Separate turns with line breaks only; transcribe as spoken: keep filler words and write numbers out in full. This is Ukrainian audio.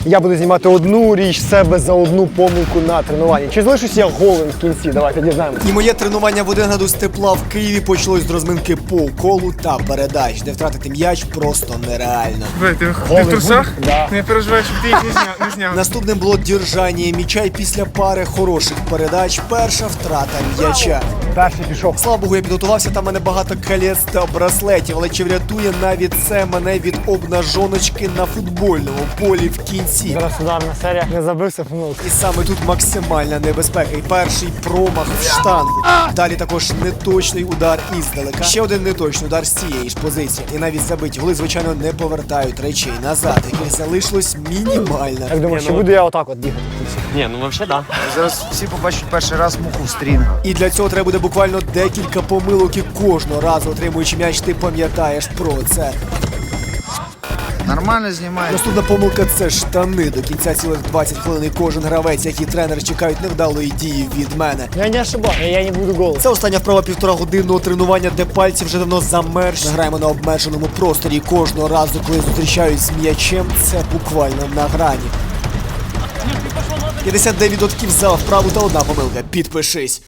Я буду знімати одну річ себе за одну помилку на тренуванні. Чи залишусь я голим в кінці? Давайте дізнаємося.
І моє тренування в один градус тепла в Києві почалось з розминки по колу та передач, де втратити м'яч просто нереально.
Бля, ти, ти
Голий
в трусах?
будь? Да.
Не переживай, щоб ти їх не зняв. Не зняв.
Наступним було держання м'яча, і після пари хороших передач перша втрата м'яча.
Перший пішов.
Слава Богу, я підготувався, там в мене багато колець та браслетів, але чи врятує навіть це мене від обнажоночки на футбольному полі в кінці?
Зараз ударна серія. Не забився, помилка.
І саме тут максимальна небезпека. І перший промах в штангу. Далі також неточний удар іздалека. Ще один неточний удар з цієї ж позиції. І навіть забиті голи, звичайно, не повертають речей назад, яких залишилось мінімально.
Як думаєш, чи буду я отак от бігати?
Ні, ну взагалі, да.
Зараз всі побачать перший раз муху в стрінг.
І для цього треба буде буквально декілька помилок, і кожного разу, отримуючи м'яч, ти пам'ятаєш про це.
Нормально знімає.
Наступна помилка – це штани. До кінця цілих двадцять хвилин і кожен гравець, як і тренер, чекають невдалої дії від мене.
Я не ошибаюсь, я не буду голим.
Це остання вправа півтора годинного тренування, де пальці вже давно замерзли. Ми граємо на обмеженому просторі. І кожного разу, коли зустрічають з м'ячем, це буквально на грані. п'ятдесят дев'ять відсотків за вправу та одна помилка. Підпишись.